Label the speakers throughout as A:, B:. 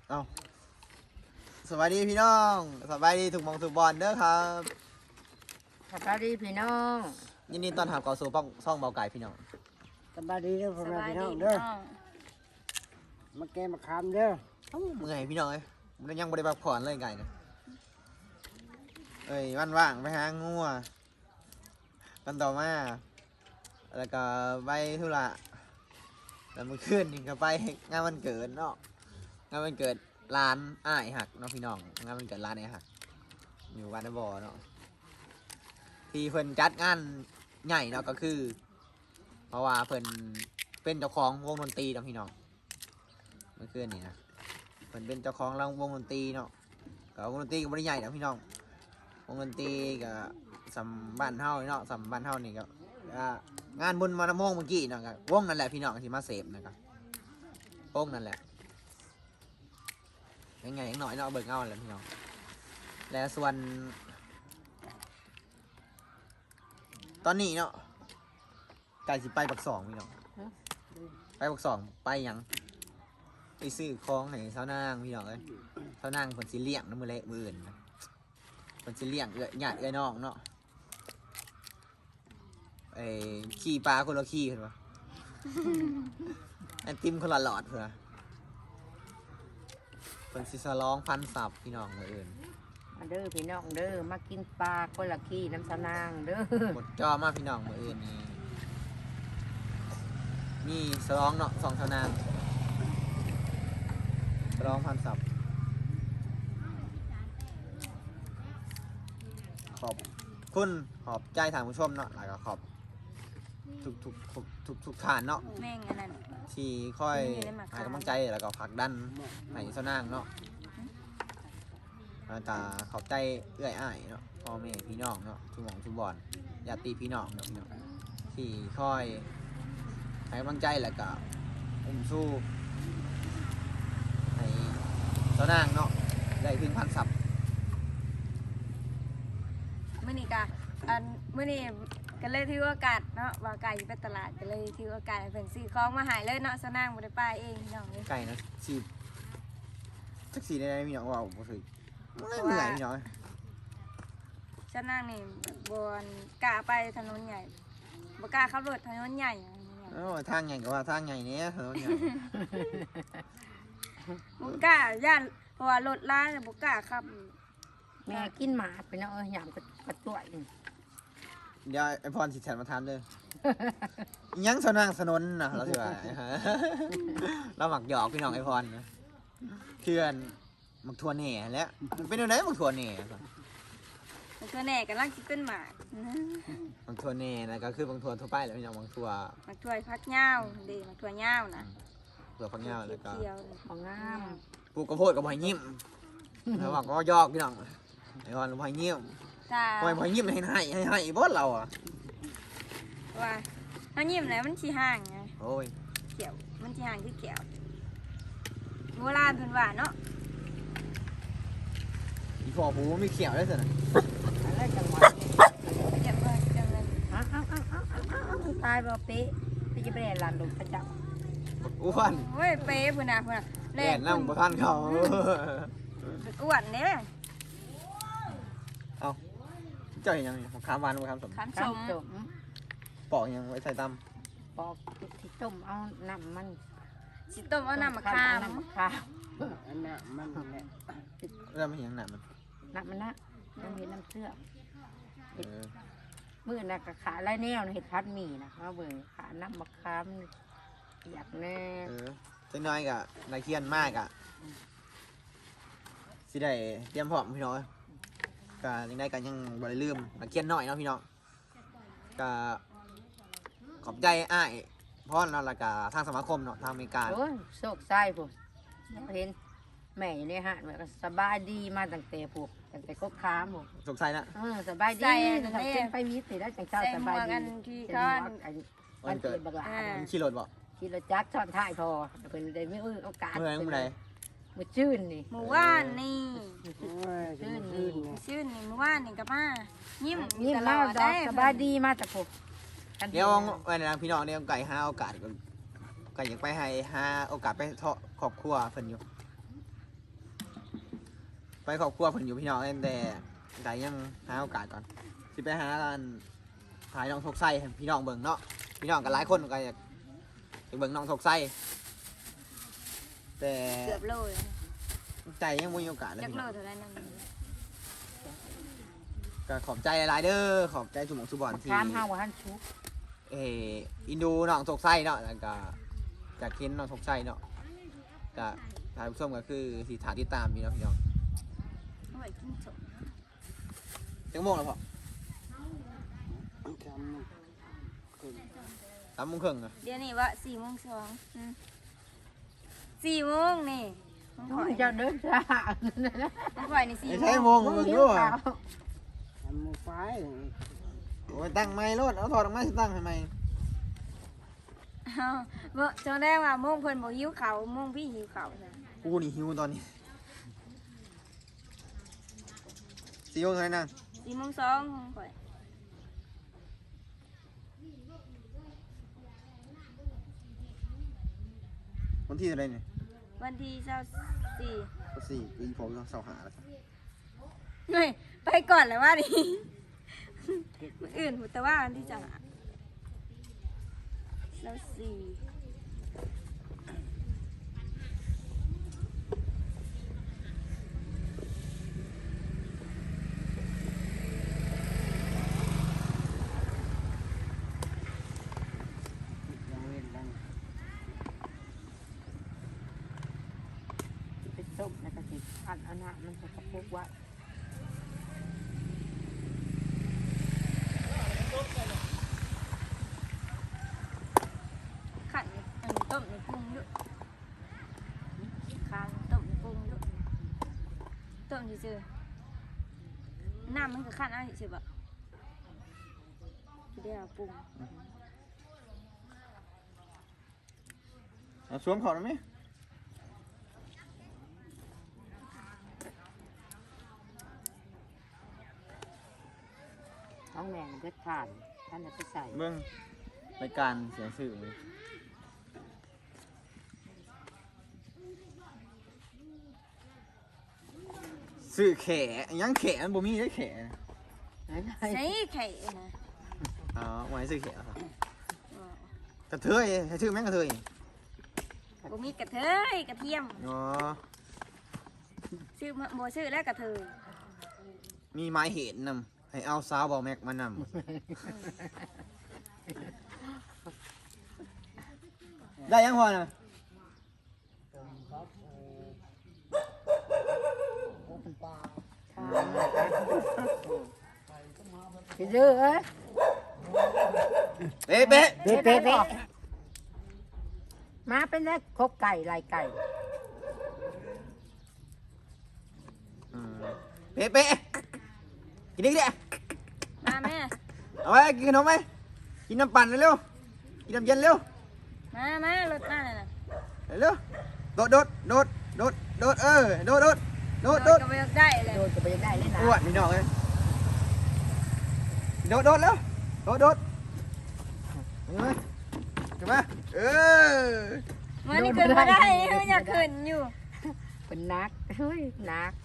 A: เอาสวัสดีพี่น้องสบายดีถูกมองถูกบอลเด้อครับ
B: สวัสดีพี่น้อง
A: ยินดีต้อนรับเข้าสู่ป้องซ่องเบาไก่พี่น้อง
C: สบายดีเด้อพ่อแม่พี่น้องเด้อมาแกมาคำเด้อ
A: เอ้าเมื่อยพี่น้องเอ้ยมันยังบริบักผ่อนเลยไก่นะเอ้ยวันว่างไปหางัวกันต่อมาแล้วก็ไปธุระแล้วเมื่อคืนนี่ก็ไปงานวันเกิดเนาะงานวันเกิดร้านอ้ายหักเนาะพี่น้องงานวันเกิดร้านอ้ายหักอยู่บ้านนบ่อเนาะที่เพิ่นจัดงานใหญ่เนาะก็คือ เพราะว่าเพิ่นเป็นเจ้าของวงดนตรีเนาะพี่น้องเมื่อคืนนี่นะเพิ่นเป็นเจ้าของวงดนตรีเนาะก็วงดนตรีก็บ่ได้ใหญ่นะพี่น้องวงดนตรีก็สำบ้านเฮาเนาะสำบ้านเฮานี่ก็งานบุญมานโมงเมื่อกี้เนาะก็วงนั่นแหละพี่น้องที่มาเสพนะครับวงนั่นแหละยังไงยังน้อยเนาะเบิ่งเอาแหละพี่น้องและส่วนตอนนี้เนาะไก่สิไปปักสองพี่น้องไปปักสองไปยังไปซื้อของให้สาวนางพี่น้องเอ้ยสาวนางผลสิเลี้ยงน้ำมือเละมืออื่นนะผลสิเลี้ยงญาติน้องเนาะไอ้ขี่ปลาคนละขี่เห็นปะ ไอติมคนละหลอดเผื่อผลสิสลองพันสับพี่น้องมืออื่น
B: มาเด้อพี่น้องเด้อมากินปลาคนละขี้น้ำสนางเด้อ
A: หมดจอมากพี่น้องมืออื่นนี่มีสลองเนาะสองสาวนางสลองพันสับขอบคุณขอบใจทางผู้ชมเนาะแล้วก็ขอบทุกฐานเนาะ
D: แม่งอันนั้น
A: ที่ค่อยให้กำลังใจแล้วก็ผลักดันให้สาวนางเนาะแล้วก็ขอบใจเอื้อยอ้ายเนาะพ่อแม่พี่น้องเนาะทุกหม่องทุกบอนญาติพี่น้องเนาะพี่น้องที่ค่อยให้กำลังใจแล้วก็อุ้มสู้ให้สาวนางเนาะได้ถึงพันสับ
D: มื้อนี้ก็มื้อนี้ก็เลยถือโอกาสเนาะว่าไก่ไปตลาดก็เลยถือโอกาสให้เพิ่นซื้อของมาให้เลยเนาะสนางบ่ได้ไปเองพี่น้องเอ้ย
A: ไก่นะสีสักสีได้พี่น้องว่าบ่ถือเหนื่อยพี่น้อง
D: สนางนี่บ่กล้าไปถนนใหญ่บ่กล้าขับรถถนนใหญ่
A: โอ้ทางใหญ่ก็ว่าทางใหญ่เนี้ยถนนใหญ่
D: บ่กล้าย่านเพราะว่ารถล้าเนี่ยบ่กล้าขับ
B: แม่กินหมาพี่น้องหยามกระตัวอยู่
A: เดี๋ยวไอพรสิแทนมาทานเด้อยังสนางสนนนะเราถือว่าเราหมักหยอกพี่น้องไอพรนะเพื่อนหมักทัวเน่แล้วมันเป็นยังไงหมักทัวเน่
D: มันก็แน่กำลังสิเป็นหมาก
A: หมักทัวเน่นะก็คือบางทัวทั่วไปแหล้วพี่น้องบางทัว
D: หมากถ้วยพักยาวเด้หมากถ้วยยาวนะ
A: เผื่อฟังเงาแล้วก็
D: เขียว
B: ของงาม
A: ปลูกกระโพดกับหอยยิ้มแล้วหมักก็ยอกพี่น้องไอพรหอยยิ้ม
D: ๆจ้า
A: หอยยิ้มให้บอสเราอ่ะ
D: ว่าเฮายิ้มแล้วมันสิห่างไง
A: โอ้ย
D: เขียวมันสิห่างคือเขียวโบราณเพิ่นว่าเนาะ
A: อีพอผูไม่เขียวได้สินะ
B: อะไรจังหวะ
D: เจ็บเลยจังเลย
B: อ้าวตายบ่เป๊ะพี่จะไปเรียนลานลงประจับ
A: อ้วน
D: โอ้ยเป๊ะพุ่นน่ะพุ่นน่ะ
A: แล่นนั่งประทันเขา
D: อ้วนเด้
A: เอาเจ้าเห็นยังขามหวานขามสม
D: ขันส
B: ข้าว
D: ม
B: จม
A: ปอกยังไว้ใส่ต
B: ปอกที่ต้มเอาน้ำมัน
D: สิต้มเอาน้ำมะขาม
B: น้ำมะขาม
C: อันน่ะมันแหละ
A: ำแล้วไม่เห็นหนักมัน
B: น้ำมันนะน้ำเห็ดน้ำเชื่อม
A: เออ
B: มื้อน่ะก็ขาไรแนวเห็ดพัดหมี่นะมาเบิ่งขาน้ำมะขามอยากแน่
A: เออเจ้าน้อยกะนายเคียนมากอะสิได้เตรียมพร้อมพี่น้องกะยังได้กันยังบ่ได้ลืมนายเคียนน้อยเนาะพี่น้องกะขอบใจอ้ายพ่อเนาะแล้วก็ทางสมาคมเนาะทางอเมริกา
B: โอ้ยโชคไส้ผมเห็นแม่อยู่ในห้างแบบสบายดีมาตั้งแต่พวกตั้งแต่ก็ค้ามผม
A: สงสัยนะ
B: สบายดีตั้งแต่เป็นไปมีสิได้จังเจ้า
D: ใส่
B: ส
D: หม
B: บายว
D: ก
B: ดี
D: อันที่
B: เป็น
D: ก้อน
B: วันเกิดบักหลา
A: มันขี่รถบ่
B: ขี่รถจักรซ้อนท้ายพอเพิ่นได้ไม่โอกาส
A: เมื่อไหร่
B: มือชื่นนี่
D: หมู่ว่านนี่
C: โอ้ยจะมาขึ้นเนี่ย
D: ชื่นนี่หมู่ว่านนี่ก็มายิ้ม
B: นี่
D: ตล
B: มา
D: อด
B: ดอ
D: ได้
B: กสบายดีมาแต่พวก
A: เดี๋ยววันนั้นพี่น้องเนี่ยไก่หาโอกาสก็อยากไปให้หาโอกาสไปเทาะครอบครัวเพิ่นอยู่ครอบครัวเพิ่นอยู่พี่น้องแต่ได้ยังหาโอกาสก่อนสิไปหาร้านขายน้องทกไส้ให้พี่น้องเบิ่งเนาะพี่น้องกันหลายคนก็อยากไปเบิ่งน้องทกไส้แต่
D: เกือบโลเลย
A: ใจยังบ่มีโอกาสเลย
D: จัก
A: พี่
D: โล
A: น้อง
D: เท่านั้นนั่น
A: ก็ขอบใจหลายๆเด้อขอบใจสุหมองสุบอนที่
B: ถามห้าว่าท่านชุก
A: อินดูน้องทกไส้เนาะแล้วก็จากเค้นน้องทกไส้เนาะก็ท่านผู้ชมก็คือสิถาติดตามอยู่เนาะพี่น้อง
D: เอาไว้กินสม
A: จังโมงแล้วพ่อ
C: จำมันขึ้น
A: 3 โมงครึ่งอะ
D: เดี๋ยวนี้ว่า4:024 โมงนี่มันข่อย
B: เจ้าเดินจ้า
D: มันข่อยนี่4
A: ไม่
D: โม
A: ใช่
D: ง
A: โมงมึงรู้อ่ะ
C: ทำมือไฟ
A: โอ้ยตั้งไม้รถเอาถอดออกมาสิตั้งให้ไหม
D: อ้าวบ่จนได้ว่าโมงเพิ่นบ่หิวข้าวโมงพี่หิวข้าวจ้ะ
A: กูนี่หิวตอนนี้4 โมงเท่าไหร่นะ
D: 4:02ของข่อย
A: วันที่เท่าไหร่เนี่ย
D: วันที่24
A: ก็4ปีผมต้องเสาหาแล้วครับ
D: เฮ้ยไปก่อนเลยว่าดิมื้ออื่นแต่ว่าวันที่จะแล้วสี่
C: ยังเว้นดัง
B: ไปต้มแล้วก็สิอันเอาหน้ามันจะกระปุกไว้
D: ขันอันนี้ต้มในปรุงด้วยคางต้มในปรุงด้วยต้มเฉยๆน้ำมันก็ขันเอะไรเฉยๆแบบเดี๋ยวปรุง
A: เอาสวมเขาได้ไหม
B: ท้องแมงเด็ดขาดท่านจะไปใส่
A: เบิ่งรายการเสียงสื่อเลยสื่อแขยังแขมันบ่มีได้แข
D: ใส่ไข่นะ
A: อ๋อไว้สื่อแขครับกระเทยให้ชื่อแม่งกระเทย
D: บ่มีกระเทยกระเทียม
A: อ๋อ
D: ชื่อบ่ชื่อแล้วกระเทย
A: มีไม้เห็นนำให้เอาสาวบอแม็กมานำ ได้ยังพอนะ
B: สิดื้อเอ้ย
A: เป๊ะเป๊ะ
B: เป๊ะเป๊ะเป๊ะมาเป็นแล้วครบไก่ลายไก่
A: เป๊ะเป๊ะกินดิกินดิ
D: มาแม่
A: เอาไว้กินขนมไหมกินน้ำปั่นเร็วๆกินน้ำเย็นเร็ว
D: มารถมาเลยนะ
A: เร็วโดดโดดโดดโดดโดดโดดโดดโดดโดด
D: ก็ไม่ได้เลย
B: โดนจะไปได้เลยนะ
A: อ้วนพี่น้องเลยโดดโดดเร็วโดดโดดเห็นไหมเห็นไหมเออ
D: มันนี่ขึ้นมาได้มันอยากขึ้นอยู่
B: เป็นนักเฮ้ยนัก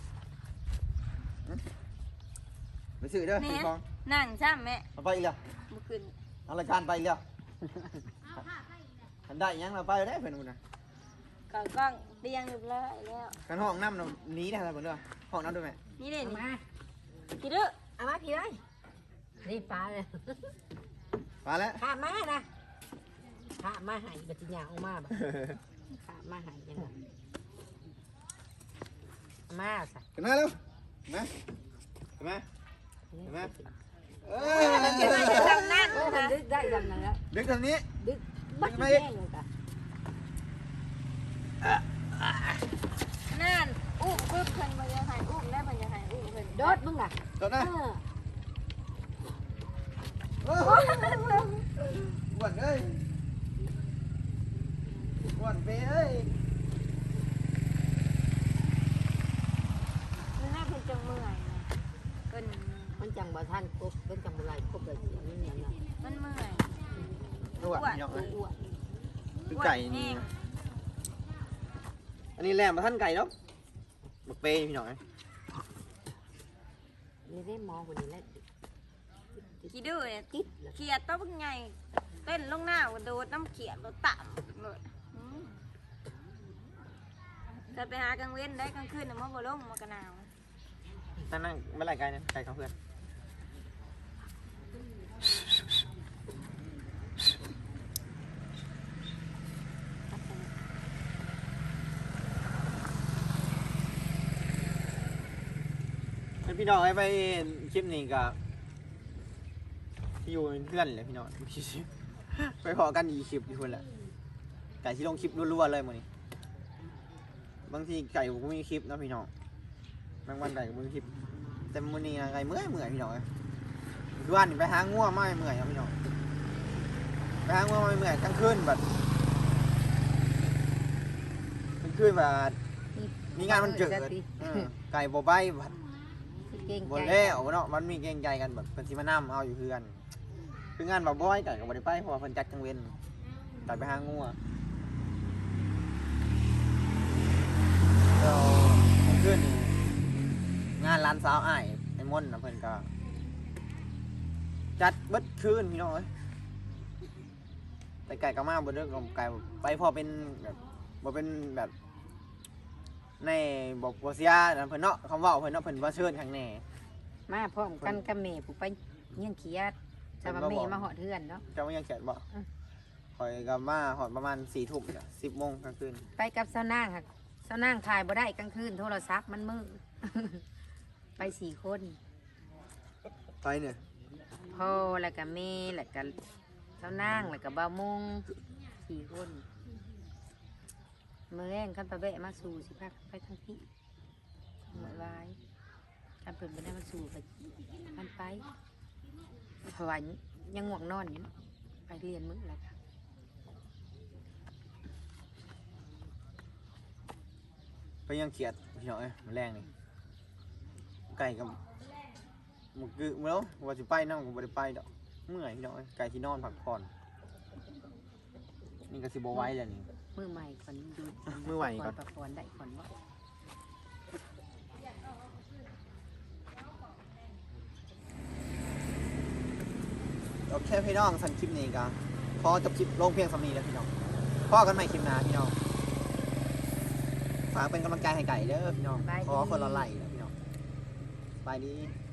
A: ไปซื้อเด้อ
D: แม่
A: ซื้อของ
D: นั่งซ้ำแม่
A: เอาไปอีกแล้ว
D: บ่ขึ้น
A: เอารายการไปอีกแล้วทันได้ยังเราไปได้เพื่อนมึงนะ
D: กล้องเรียงเรียบร้อยแล้ว
A: กันห้องน้ำเราหนีได้อะไรเพื่อนเด้อห้องน้ำด้วยไหม
D: นี่เลย
B: เอา
D: นี่
B: มา
D: พี่ดื้อ
B: เอามาพี่เลยนี่ปลาเลย
A: มาแล้ว
B: ข้ามานะข้ามาใหายบัติญาออกมาบ่ข้ามาใหายยังไงมาสิ
A: ขึ้นมาเร็วขึ้นมาขึ้นมา เห็นไหม เออ
D: จะมาจะทำนั่น
B: โอ้
D: นะ
B: ดึกได้ยังไงแล้ว
A: ดึกทางนี้
B: ดึกบัด
A: ไม่
B: แย่งเลยกัน
D: นั่นอุ้มปึ๊บเพิ่นมาจะหายอุ้มแล้วมันจะหายอุ้มเพิ่น
B: โดดมึงล่ะ
A: โดดนะ
B: เออ
A: เอออ้วนเอ้ยอ้วนเป้เอ้ย
D: มันน่าเพิ่นจังเมื่อยนะเพิ่น
B: มันจังบ่ท่านครบเป็นจังบ่ไรครบเลยสินี่เนี่ยนะ
D: มันเมื่อย
A: อ้วนพี่น้องเอ้ย
B: อ้วน
A: คือไก่นี่นะอันนี้แหลมมาท่านไก่เนาะบักเป้พี่น้องเอ้ย
B: นี่ได้มองคนนี้แล้ว
D: ขี้ดื้อเนี่ยเขียดตัวเป็นไงเต้นลงหน้ากระโดดน้ำเขียดรถต่ำเลยจะไปหากลางเว้นได้กลางคืนน่ะมันบ่ลงมันก็หนาว
A: นั่งเมื่อไหร่ไกลเนี่ยไกลเขาเพื่อนพี่น้องไปคลิปนี้กับอยู่เพื่อนเลยพี่น้องไปพอกันอีคลิปอยู่คนแหละไก่ที่ลงคลิปรัวๆเลยมื้อนี้บางทีไก่ผมก็มีคลิปนะพี่น้องบางวันไก่ก็มีคลิปแต่มื้อนี้นะไก่เมื่อยพี่น้องคือวันไปหาง่วงไม่เมื่อยครับพี่น้องไปหาง่วงไม่เมื่อยกลางคืนแบบกลางคืนแบบมีงานมันเกิดไก่บ่ใบแบบ
B: เก่ง
A: บ่
B: ใจ
A: แล้วเนาะมันมีเกรงใจกันแบบเพิ่นสิมานํเอาอยู่เพื่อนคืองานบ่บ่อยไก่ก็บ่ได้ไปเพราะว่าเพิ่นจัดกลางเว้นไก่ไปหางัวแล้วกลางคืนนี่งานร้านสาวอ้ายไอ้มนต์น่ะเพิ่นก็จัดเบิดคืนพี่น้องเอ้ยแต่ไก่ก็มาบ่เด้อก็ไก่ไปพอเป็นแบบบ่เป็นแบบในบ่เสียเพิ่นเนาะคำเว้าเพิ่นเนาะเพิ่นบ่เชิญข้างแน่
B: มาพร้อมกันกับแม่ผู้ไปเงี้ยนเขียดจะมาแม่มาหอดเทือนเนาะ
A: เจ้ายังเขียนบ่ข่อยก็มาหอดประมาณ4 ทุ่มจ้ะ10 โมงกลางคืน
B: ไปกับสาวนางค่ะสาวนางถ่ายบ่ได้กลางคืนโทรศัพท์มันมืด ไป4 คน
A: ไปเนี่ย
B: พ่อแล้วก็แม่แล้วก็สาวนางแล้วก็บ่าวมง4 คนมื้อแรงคันไปแวะมาสู่สิพักไปทางพี่หมดวายคันเพิ่นบ่ได้มาสู่ก็มันไปเพราะว่ายังง่วงนอนอยู่เนาะไปเรียนมื้อแล้วก็
A: ไปยังเขียดพี่น้องเอ้ยมันแรงนี่ไก่กับหมูกึมื้อแล้วว่าสิไปนำก็บ่ได้ไปดอกเมื่อยพี่น้องเอ้ยไก่ที่นอนพักผ่อนนี่ก็สิบ่ไหวแล้วนี่
B: มือใหม่ก่อนดู
A: มือใหม่ก่อน
B: ประพรได้ก่อนว่า
A: โอเคพี่น้องสั่นคลิปนี้ก็พอจบคลิปลงเพียงสำนี้แล้วพี่น้องพอกันใหม่คลิปหน้าพี่น้องฝากเป็นกำลังใจให้ไก่เด้อพี่น้องขอคนละไลค์นะพี่น้องบายดี